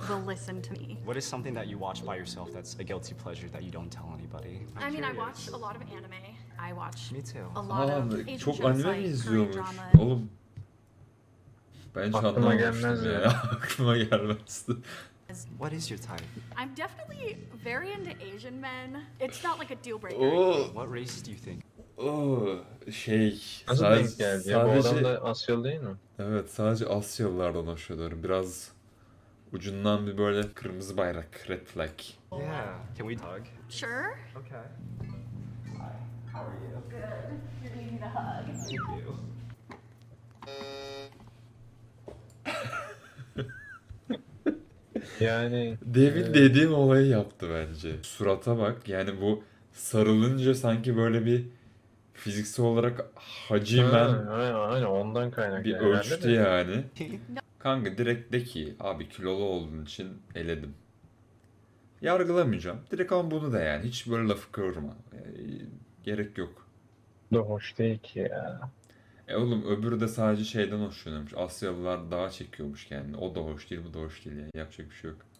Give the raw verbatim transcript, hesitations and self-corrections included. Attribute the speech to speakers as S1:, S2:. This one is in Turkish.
S1: will listen to me.
S2: What is something that you watch by yourself that's a guilty pleasure that you don't tell anybody? I'm
S1: I mean, I
S2: curious.
S1: watch a lot of anime. I watch
S2: Me too.
S1: a lot
S3: Aa,
S1: of Asian
S3: çok
S1: shows
S3: anime mi
S1: like Korean
S3: izliyormuş?
S1: drama.
S3: Oğlum ben hiç
S4: Aklıma
S3: anlamamıştım
S4: gelmez
S3: ya.
S4: ya.
S3: Aklıma gelmezdi.
S2: What is your type?
S1: I'm definitely very into Asian men. It's not like a deal breaker.
S3: Oo,
S2: What race do you think?
S3: oo, şey
S4: Nasıl
S3: sadece,
S4: denk geldi ya? Bu adam
S3: sadece
S4: da Asyalı değil mi?
S3: evet sadece Asyalılardan hoşlanıyorum. Biraz ucundan bir böyle kırmızı bayrak, red flag.
S2: Yeah. Can we hug?
S1: Sure.
S2: Okay. Hi. How are you?
S1: Good. You're needing a hug.
S2: Thank you.
S4: Yani
S3: Demin
S4: e,
S3: dediğim olayı yaptı bence. Surata bak, yani bu sarılınca sanki böyle bir fiziksel olarak hacimen
S4: ha, aynen, aynen ondan kaynaklı
S3: bir
S4: herhalde
S3: ölçtü
S4: de.
S3: yani. Kanka direkt de ki abi kilolu olduğun için eledim. Yargılamayacağım. Direkt ama bunu da yani. Hiç böyle lafı kıvırma. Yani gerek yok.
S4: Bu da hoş değil ki ya.
S3: E oğlum öbürü de sadece şeyden hoşlanıyormuş. Asyalılar daha çekiyormuş kendini. O da hoş değil, bu da hoş değil yani. Yapacak bir şey yok.